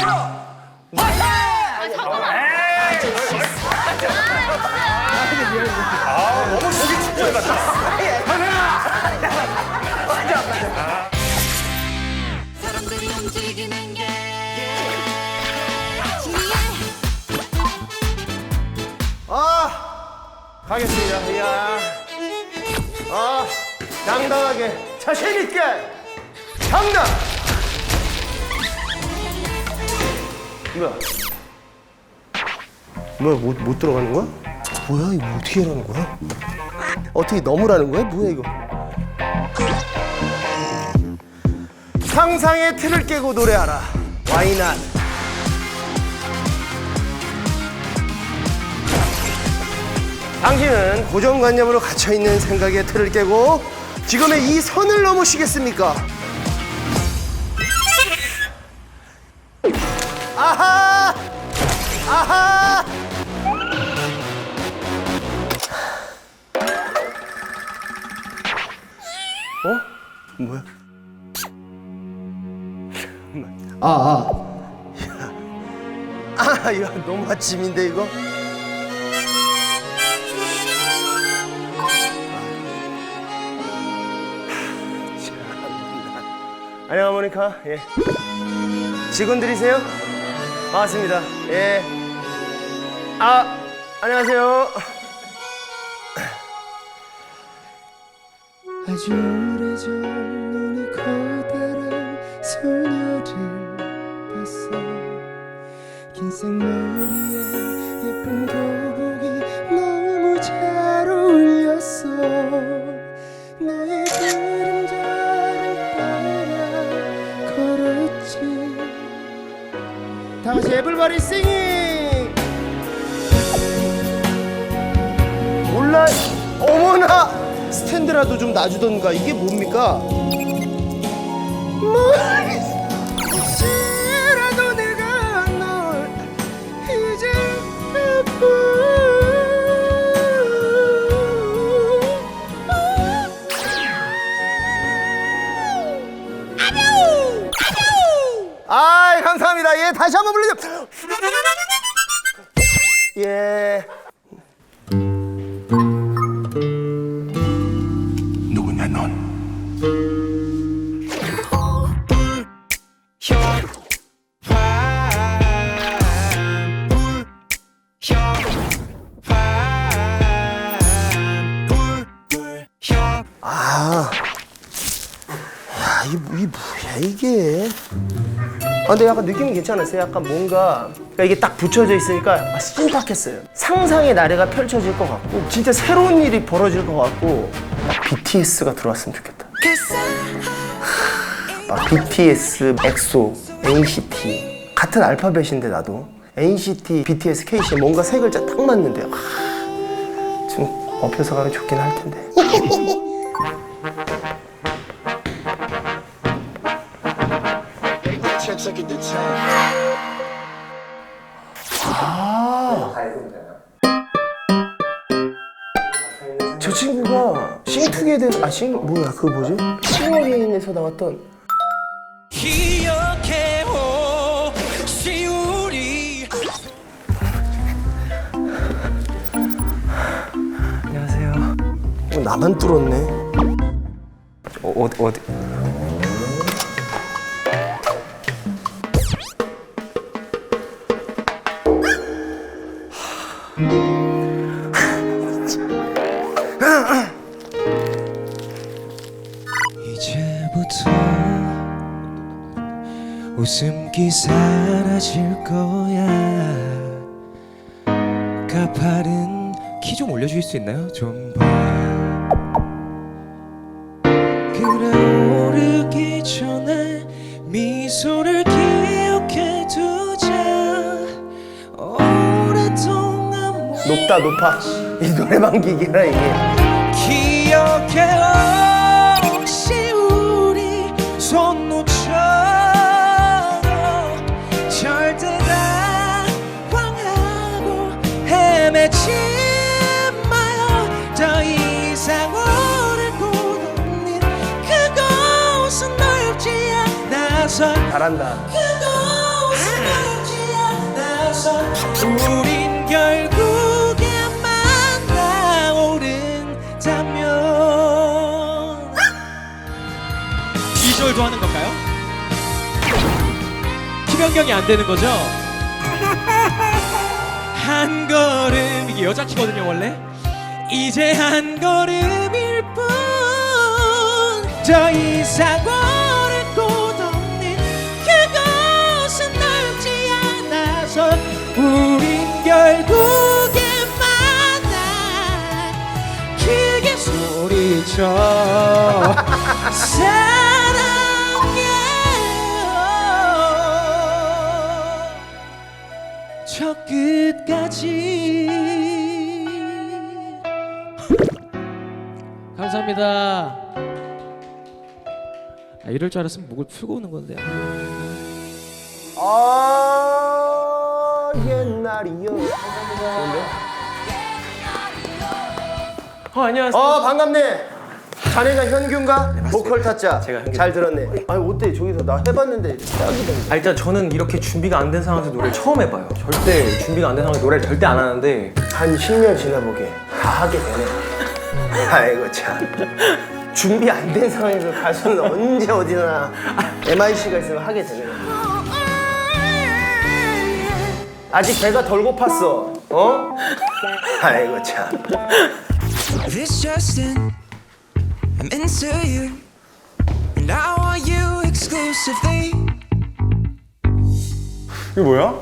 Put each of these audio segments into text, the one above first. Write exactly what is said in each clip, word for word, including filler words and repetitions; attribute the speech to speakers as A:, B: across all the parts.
A: 아, 너무 보기 축구해 같다.
B: 사람들이 움직이는 게
C: 아, 가겠습니다. 이야. 아, 당당하게, 자신있게, 당당! 뭐야? 뭐야, 못, 못 들어가는 거야? 뭐야, 이거 어떻게 하라는 거야? 어떻게 넘으라는 거야? 뭐야, 이거? 상상의 틀을 깨고 노래하라. 와이낫. 당신은 고정관념으로 갇혀있는 생각의 틀을 깨고 지금의 이 선을 넘으시겠습니까? 아하! 아하! 어? 뭐야? 아, 아. 야. 아, 야, 너무 아침인데, 이거? 안녕, 하모니카. 예. 직원들이세요? 반갑습니다. 예. 아, 안녕하세요.
D: 아주 오래전 눈이 커다란 소녀를 봤어. 긴 생머리에 예쁜 교복이 너무 잘 어울렸어. 너의 그림자를 따라 걸었지.
C: 다 같이 에블바리 싱잉! 몰라, 어머나! 스탠드라도 좀 놔주던가. 이게 뭡니까? 혹시라도 내가 널 이제 아, 감사합니다. 예, 다시 한번 불러줘. 예.
A: 누구냐, 넌?
C: 아, 야, 이, 이 뭐야 이게? 아, 근데 약간 느낌이 괜찮았어요. 약간 뭔가 그러니까 이게 딱 붙여져 있으니까 아, 신박했어요. 상상의 나래가 펼쳐질 것 같고 진짜 새로운 일이 벌어질 것 같고 딱 비티에스가 들어왔으면 좋겠다. 막 비티에스, 엑소, 엔시티 같은 알파벳인데 나도 엔시티, 비티에스, 케이씨 뭔가 세 글자 딱 맞는데 아, 좀 업혀서 가면 좋긴 할 텐데. 아, 저 친구가 싱투게더, 아, 싱, 뭐야, 그거 뭐지? 싱어게인에서 나왔던
E: 기억해 혹시 우리
C: 안녕하세요. 어, 나만 뚫었네. 어, 어디, 어디.
E: 이제부터 웃음기 사라질 거야. 가파른 키 좀 올려주실 수 있나요? 좀 봐. 끓어오르기 전에 미소를 기억해 두자. 오랫동안
C: 높다, 높아. 이 노래방 기기라, 이게.
E: 기억해 혹시 우리 손 놓쳐도 절대 당황하고 헤매지 마요. 더 이상 오래 곳없는 그곳은 넓지 않아서
C: 잘한다.
E: 그곳은 우린 결국에 만나 오른다면 이 절도 하는 건가요? 키 변경이 안 되는 거죠? 한 걸음 이게 여자 키거든요 원래. 이제 한 걸음일 뿐 더 이상 오를 곳 없는 그곳은 넓지 않아서 우린 결국에 만나 크게 소리쳐 사랑해 저 끝까지. 감사합니다. 아, 이럴 줄 알았으면 목을 풀고 오는 건데.
C: 아 옛날이요. 뭔데?
E: 어 안녕하세요.
C: 어 반갑네. 자네가 현규인가? 보컬 타짜.
F: 제가 현규.
C: 잘 들었네. 아니 어때 저기서 나 해봤는데 딱이던데.
F: 아, 일단 저는 이렇게 준비가 안 된 상황에서 노래를 처음 해봐요. 절대 준비가 안 된 상황에서 노래를 절대 안 하는데
C: 한 십 년 지나보게 다 하게 되네. 아이고 참. 준비 안 된 상황에서 가수는 언제 어디나 엠아이씨가 있으면 하게 되네. 아직 배가 덜 고팠어. 어? 아이고 참.
G: This just in, I'm into you, and I want you exclusively.
A: 이게 뭐야?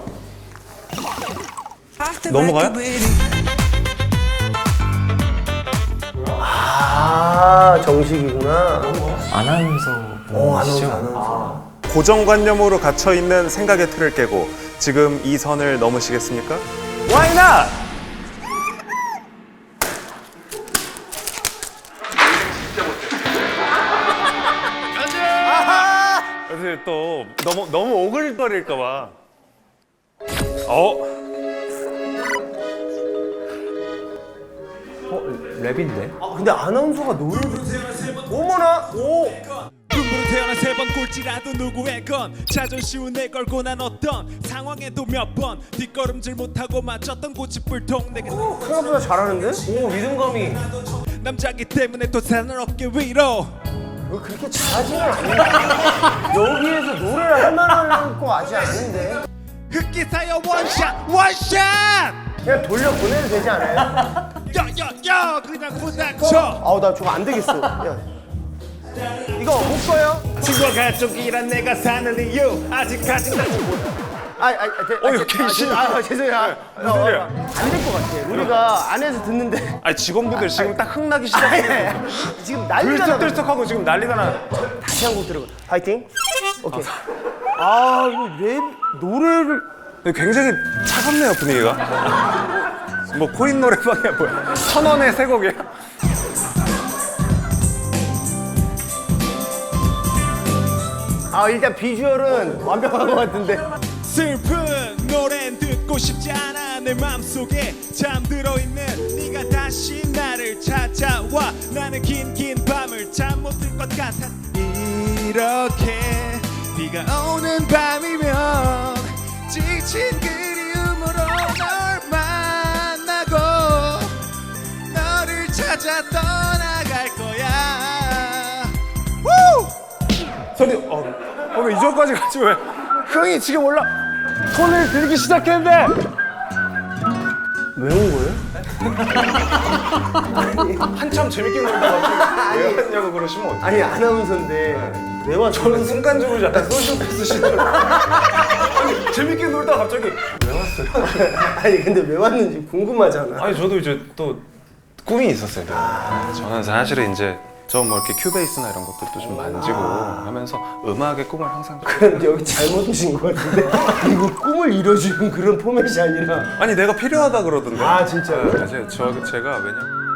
G: Off the
A: 넘어가요?
G: record with you.
C: 아 정식이구나.
F: 아나운서
C: 어
F: 분이시죠?
C: 아나운서 아나운서.
A: 고정관념으로 갇혀 있는 생각의 틀을 깨고 지금 이 선을 넘으시겠습니까? Why not? 사실 또 너무 너무 오글거릴까봐. 어?
F: 랩인데?
C: 아 근데 아나운서가 노래를 어머나 오.
H: 꿈으로 태어나 세 번 꼴찌라도 누구의 건 자존심은 내 걸고 난 어떤 상황에도 몇 번 뒷걸음질 못하고 맞췄던 고집불통 내게
C: 생각보다 잘하는데?
F: 오 리듬감이.
H: 남자기 때문에 또 사는 어깨 위로
C: 왜 그렇게 잘하지는 않는데? 여기에서 노래를 할 만한 거 아직 아닌데?
H: 흑기사여 원샷 원샷
C: 그냥 돌려 보내도 되지 않아요?
H: 야야야 그냥 부닥쳐
C: 아우 나 저거 안 되겠어. 야. 이거 못 써요?
H: 친구와 가족이란 내가 사는 이유 아직까지 나
C: 아, 아, 아, 대,
A: 어,
C: 아,
A: 이거
C: 제-
A: 갱신.
C: 아, 아, 죄송해요. 아,
A: 무슨 소리야?
C: 안될 것 같아. 우리가 안에서 듣는데.
A: 아니 직원분들 지금 딱 흥나기
C: 아,
A: 시작해.
C: 예, 예. 지금 난리가 나.
A: 들썩들썩하고 지금 난리가 나.
C: 다시 한 곡 들어봐. 파이팅. 오케이. 아, 이거 랩 노래를
A: 굉장히 차갑네요 분위기가. 뭐 코인 노래방이야 뭐야? 천 원에 세 곡이야?
C: 아, 일단 비주얼은 완벽한 것 같은데.
H: 슬픈 노래는 듣고 싶지 않아 내 맘속에 잠들어 있는 네가 다시 나를 찾아와 나는 긴 긴 밤을 잠 못 들 것 같아 이렇게 비가 오는 밤이면 지친 그리움으로 널 만나고 너를 찾아 떠나갈 거야 우!
A: 소리 어, 어, 왜 이전까지 가지 왜? 흥이 지금 올라 손을 들기 시작했는데
C: 왜 온 거예요?
A: 한참 재밌게 놀다가 갑자기 왜 왔냐고 그러시면 어떡해?
C: 아니, 아나운서인데. 왜 왔어?
A: 저는 순간적으로 약간 소시오패스 시절 아니 재밌게 놀다가 갑자기 왜 왔어요?
C: 아니, 근데 왜 왔는지 궁금하잖아.
A: 아니 저도 이제 또 꿈이 있었어요. 아, 저는 사실은 이제 저 뭐 이렇게 큐베이스나 이런 것들도 좀 만지고 하면서 음악의 꿈을 항상
C: 그런데 여기 잘못 오신 것 같은데. 이거 꿈을 이뤄주는 그런 포맷이 아니라.
A: 아니 내가 필요하다 그러던데.
C: 아, 진짜요?
A: 네, 제, 저, 제가 왜냐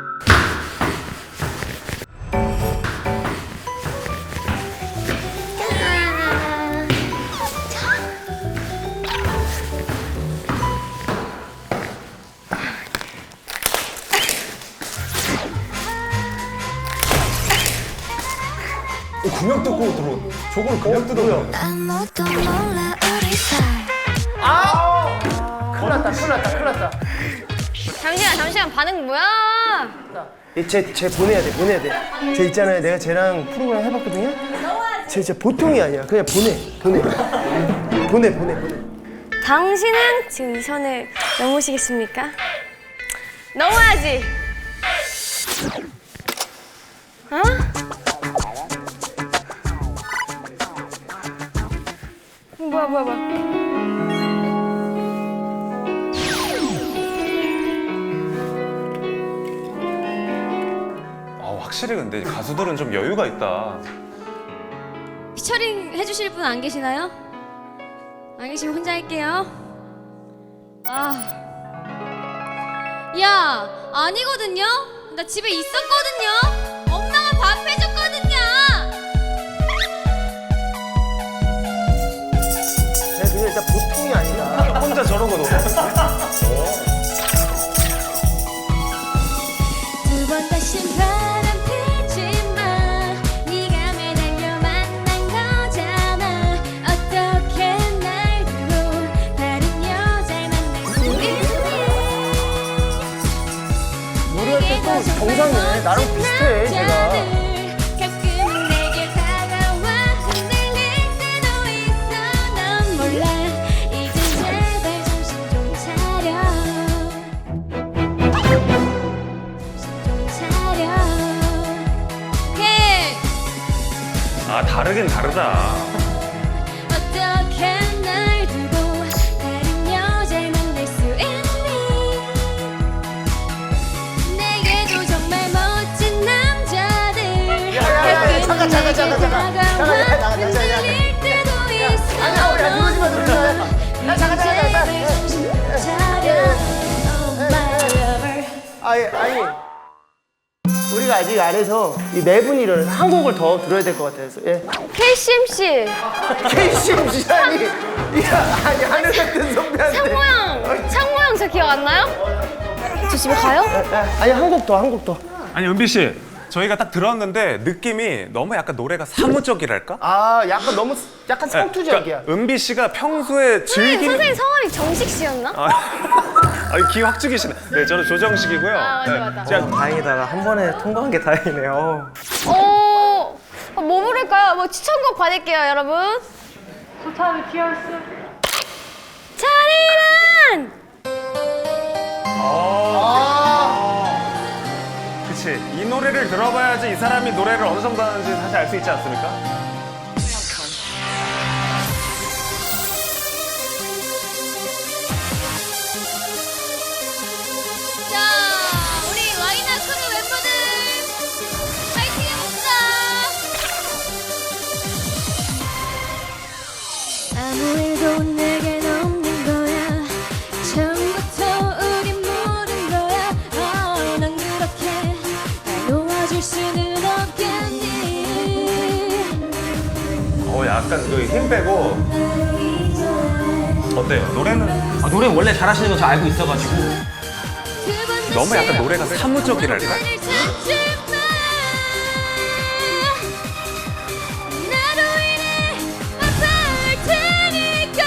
C: 어, 그냥 뜯고 들어. 저걸 그냥 뜯어요.
B: 아무도 몰라 우리 사이
C: 큰일 났다. 큰일 났다 큰일 났다.
I: 잠시만 잠시만 반응 뭐야?
C: 쟤쟤 보내야 돼 보내야 돼. 쟤 있잖아요 내가 쟤랑 프로그램 해봤거든요. 쟤 진짜 보통이 아니야. 그냥 보내 보내 보내 보내 보내.
I: 당신은 지금 이 선을 넘으시겠습니까? 넘어야지. 어? 뭐야 뭐야 뭐야.
A: 아, 확실히 근데 가수들은 좀 여유가 있다.
I: 피처링 해주실 분 안 계시나요? 안 계시면 혼자 할게요. 아, 야, 아니거든요. 나 집에 있었거든요. 엄마가 밥 해줬거든요.
C: 쟤 그냥 일단 보통이 아니다.
A: 혼자 저러고 노래.
I: 두 번 다시 바람 피지 마. 네가 매달려 만난 거잖아. 어떻게 날 두고 다른 여자를 만날 수 있니?
C: 노래할 때 또 정상이네. 나랑 비슷해 제가.
I: 가끔은 내게 다가와 흔들릴 때도 있어. 넌 몰라. 이제 제발 정신 좀 차려. 정신 좀 차려. 오케이.
A: 아, 다르긴 다르다.
I: 어떻게 날 두고 다른 여자를 만날 수 있니? 내게도 정말 멋진 남자들
C: 야야야 잠깐 잠깐 잠깐 잠깐
I: 다가와
C: 잠깐 잠깐 잠깐
I: 흔들릴 때도 있어.
C: 아니야 우리 누르지 마 누르지 마. 야 잠깐 잠깐 잠깐.
I: 제발 정신 좀 차려. Oh my lover.
C: 아니 아니 우리가 아직 안 해서 이 네 분이를 한 곡을 더 들어야 될 것 같아서 예.
I: 케이씨엠씨
C: 케이씨엠씨라니 야 아니 하늘 같은 선배한테
I: 창모형 창모형 저 기억 안 나요? 저 집에 가요?
C: 아니 한 곡 더 한 곡 더.
A: 아니, 은비 씨. 저희가 딱 들었는데 느낌이 너무 약간 노래가 사무적이랄까?
C: 아 약간 너무 약간 상투적이야.
A: 그러니까 은비 씨가 평소에 즐기는
I: 선생님 성함이 정식 씨였나?
A: 아, 아니, 기 확 죽이시네. 네, 저는 조정식이고요.
I: 아, 맞아,
A: 네,
I: 맞아.
A: 제가
F: 다행이다. 한 번에 통과한 게 다행이네요.
I: 어, 뭐 부를까요? 뭐 추천곡 받을게요, 여러분. 좋다, 비티에스. 잔인한!
A: 그치. 이 노래를 들어봐야지 이 사람이 노래를 어느 정도 하는지 사실 알 수 있지 않습니까?
I: 자, 우리 와이나 크루 멤버들 파이팅 해봅시다. 아무 일도 내겐 없는 거야. 처음부터 우린 모른 거야. 어, 난 그렇게 날 놓아줄 수는 없겠니?
A: 어, 약간 그 힘 빼고. 어때요? 노래는
F: 아, 노래 원래 잘하시는 거 저 알고 있어가지고.
A: 너무 약간 노래가 사무적이랄까?
I: 오늘 찾지 마. 나로 인해 아파할 테니까.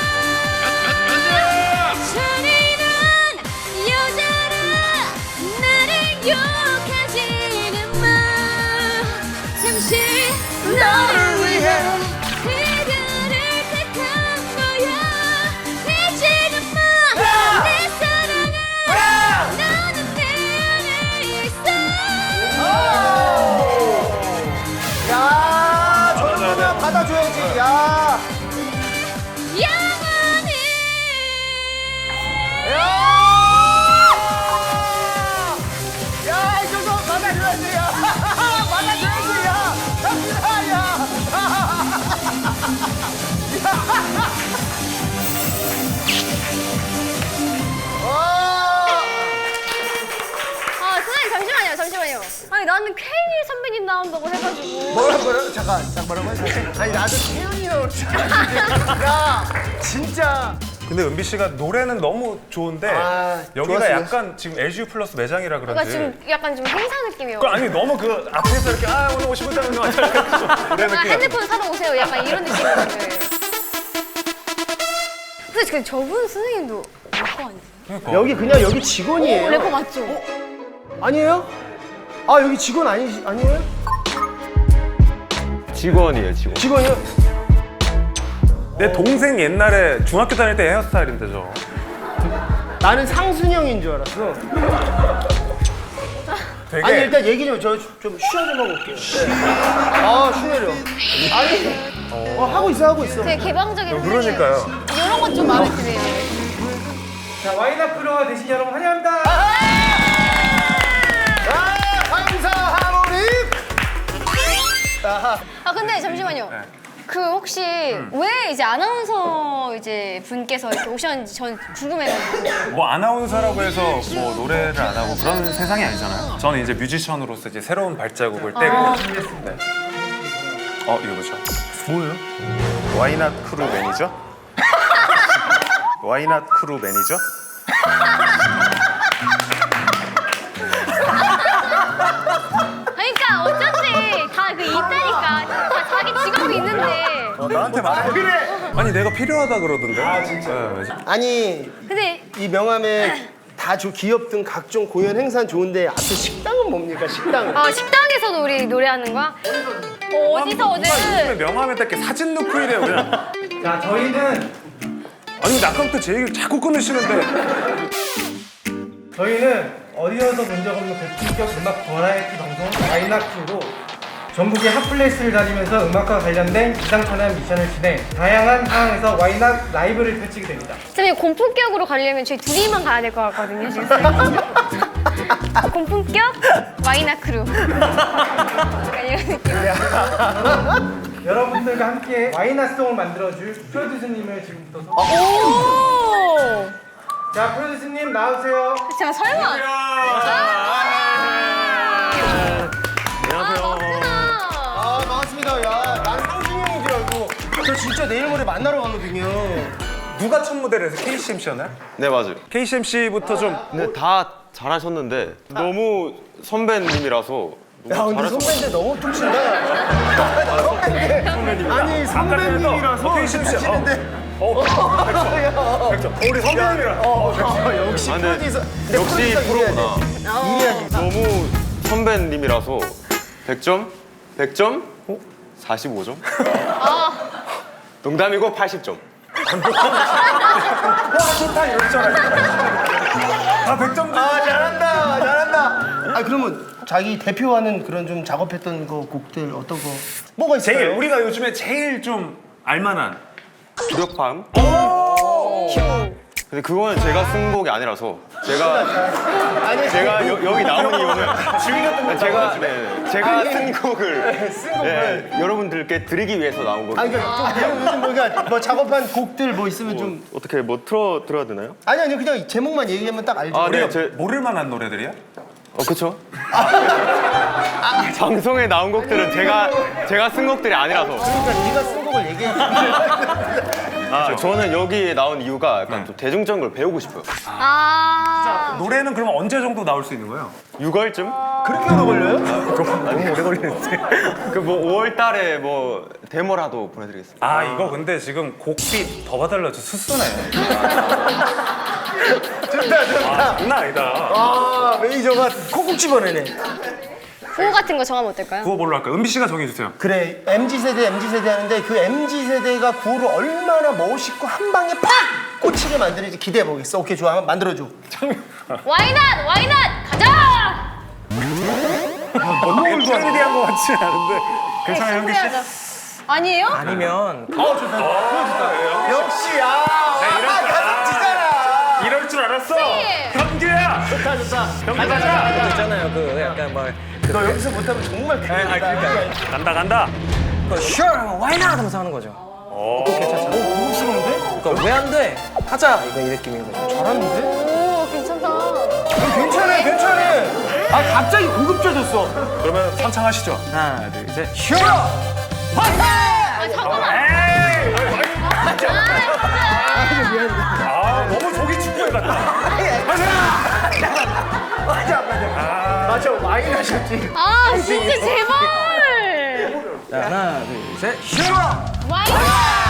I: 잔인한 여자라 나를 욕하지는 마. 잠시 너를 위해 그들을 택한 거야. 잊지는 마. 내 사랑아. 너는 내 안에 있어.
C: 야 저러면 받아줘야지. 야.
I: 영원히.
C: 야! 야, 이 정도 받아줘야지, 야! 받아줘야지, 야! 야, 야!
I: 아, 선생님 잠시만요, 잠시만요. 아니 나는 케이윌 선배님 나온다고 해가지고.
C: 뭐라, 뭐라? 잠깐, 잠깐, 뭐라고 했어? 아니, 나도 태연이 나올 줄 알았는데. 야, 진짜.
A: 근데 은비 씨가 노래는 너무 좋은데
C: 아,
A: 여기가
C: 좋았어요.
A: 약간 지금 엘지유 플러스 매장이라
I: 그러니까
A: 그런지
I: 지금 약간 좀 행사 느낌이요.
A: 그 아니 너무 그 앞에서 이렇게 아 오늘 오십 분짜리 거 이런
I: 아,
A: 느낌.
I: 핸드폰 사러 오세요. 약간 이런 느낌이에요. 근데 그 저분 선생님도 래퍼 아니세요?
C: 여기 그냥 여기 직원이에요.
I: 래퍼 맞죠?
C: 아니에요? 아 여기 직원 아니 아니에요?
A: 직원이에요, 직원.
C: 직원이요?
A: 내 동생 옛날에 중학교 다닐 때 헤어스타일인데 저.
C: 나는 상순형인 줄 알았어.
A: 되게
C: 아니 일단 얘기 좀 저 좀 쉬어 좀 하고 올게요. 아 쉬내려. 아니 어, 하고 있어 하고 있어.
I: 되게 개방적인
A: 그러니까요.
I: 이런 건 좀 마음에 드네요.
F: 자 와인아프로 되신 여러분 환영합니다.
C: 아 감사 하모니.
I: 아 근데 잠시만요. 그 혹시 왜 이제 아나운서 이제 분께서 이렇게 오셨는지 전 궁금해가지고.
A: 뭐 아나운서라고 해서 뭐 노래를 안 하고 그런 세상이 아니잖아요. 저는 이제 뮤지션으로서 이제 새로운 발자국을 떼고. 네. 어 이거 보죠.
C: 뭐예요?
A: 와이낫 크루 매니저? 와이낫 크루 매니저?
I: 그러니까 어쩐지 다 그 있다니까. 다 자기 직업이 있는데.
A: 어, 나한테 말해. 그래. 아니 내가 필요하다 그러던데. 아 진짜.
C: 아니
I: 근데
C: 이 명함에 다 조, 기업등 각종 공연 행사는 좋은데 앞에 식당은 뭡니까 식당은?
I: 아 식당에서도 우리 노래하는 거야? 어, 어디서 오늘?
A: 명함에다 이렇게 사진 넣고 이래요 그냥.
F: 자 저희는
A: 아니 아까부터 제 얘기를 자꾸 끊으시는데.
F: 저희는 어디서도 본 적 없는 고품격 음악 버라이어티 방송 와인아프로 전국의 핫플레이스를 다니면서 음악과 관련된 기상천외한 미션을 진행 다양한 상황에서 와인아프 라이브를 펼치게 됩니다.
I: 선생님 공품격으로 가려면 저희 둘이만 가야 될 것 같거든요 지금. 공품격 와이나 크루. 약간 이런 느낌.
F: 여러분들과 함께 와인아송을 만들어줄 프로듀서님을 지금부터 소...
I: 오.
F: 자 프로듀서님 나오세요.
I: 제가 설마.
C: 아 반갑습니다. 야, 난 상준이 형인 줄 알고 저 진짜 내일 모레 만나러 가거든요.
A: 누가 첫 무대를 해서 케이씨엠씨였나요?
J: 네 맞아요.
A: 케이씨엠씨부터 좀.
J: 근데 다 잘하셨는데 너무 선배님이라서
C: 야
J: 너무
C: 근데
J: 잘하셔서
C: 선배인데 너무 툭친다. 선배인데 아니 선배님이라서
A: 케이씨엠씨.
C: 툭치는데.
A: 어, 백 점. 우리 선배님이랑.
C: 어, 어, 역시
J: 아, 근데
C: 프로듀서.
J: 역시 프로구나.
C: 이래야지.
J: 너무 선배님이라서 백 점? 백 점? 사십오 점? 농담이고 팔십 점.
A: 와 좋다 이럴 줄 알았어. 다 백 점.
C: 아 잘한다 잘한다. 아 그러면 자기 대표하는 그런 좀 작업했던 거 곡들 어떤 거 뭐가 있어요?
A: 제일 우리가 요즘에 제일 좀 알만한.
J: 불협화음? 근데 그거는 제가 쓴 곡이 아니라서 제가
C: 아니
J: 제가 여, 여기 나온 이유는 제가 네, 제가 쓴 곡을 네, 여러분들께 드리기 위해서 나온
C: 아니
J: 거예요.
C: 그러니까 좀 요즘 뭐가 뭐 작업한 곡들 뭐 있으면 좀
J: 어떻게 뭐 틀어 들어야 되나요?
C: 아니 아니 그냥 제목만 얘기하면 딱 알죠.
J: 아, 네,
A: 우리가
J: 제,
A: 모를 만한 노래들이야?
J: 어, 그쵸? 방송에 나온 곡들은 제가 제가 쓴 곡들이 아니라서.
C: 그러니까 네가 쓴 곡을 얘기해.
J: 아, 저는 여기에 나온 이유가 약간 좀 대중적인 걸 배우고 싶어요.
I: 아.
A: 노래는 그러면 언제 정도 나올 수 있는 거예요?
J: 유월쯤?
C: 그렇게 오래 걸려요?
J: 너무 오래 걸리는데. 그 뭐 오월 달에 뭐 데모라도 보내드리겠습니다.
A: 아 이거 근데 지금 곡비 더 봐달라 저 수수네.
C: 좋다 좋다.
A: 아 장난 아니다.
C: 아 매니저가 콕콕 집어내네.
I: 구호 같은 거 정하면 어떨까요?
A: 구호 뭘로 할까요? 은비 씨가 정해주세요.
C: 그래 엠지 세대 엠지 세대 하는데 그 엠지 세대가 구호를 얼마나 멋있고 한 방에 팍 꽂히게 만드는지 기대해 보겠어. 오케이 좋아 한번 만들어줘.
I: 와이낫 와이낫 가자.
A: 너무 트렌디한 것 같지 않은데 괜찮아요 현기 씨?
I: 해야죠. 아니에요?
F: 아니면
C: 어 좋다. 어, 역시 아. 아 가슴 찌잖아.
A: 이럴 줄 알았어.
I: 네.
A: 현규야.
C: 좋다 좋다.
A: 현규 가자.
F: 있잖아요 그 약간 막
C: 너 여기서 못하면 정말 큰일
F: 아,
C: 난다.
F: 그러니까.
A: 간다 간다.
F: 그 sure why not 하면서 하는 거죠.
A: 오.
C: 오 그거 싫은데?
F: 그러니까 왜 안 돼? 하자 이거 이 느낌인 거죠.
C: 잘하는데?
I: 오 괜찮다.
C: 괜찮아 괜찮아. 아 갑자기 고급져졌어.
A: 그러면 선창하시죠.
F: 하나 둘 셋.
C: sure.
I: 아 잠깐만.
A: 에이.
I: 아 진짜.
A: 아 너무 조기 축구에 같다.
C: 맞아 맞아. 맞아 많이 나셨지.
I: 아 진짜 제발.
F: 자, 하나 둘 셋.
C: sure.
I: 와이낫.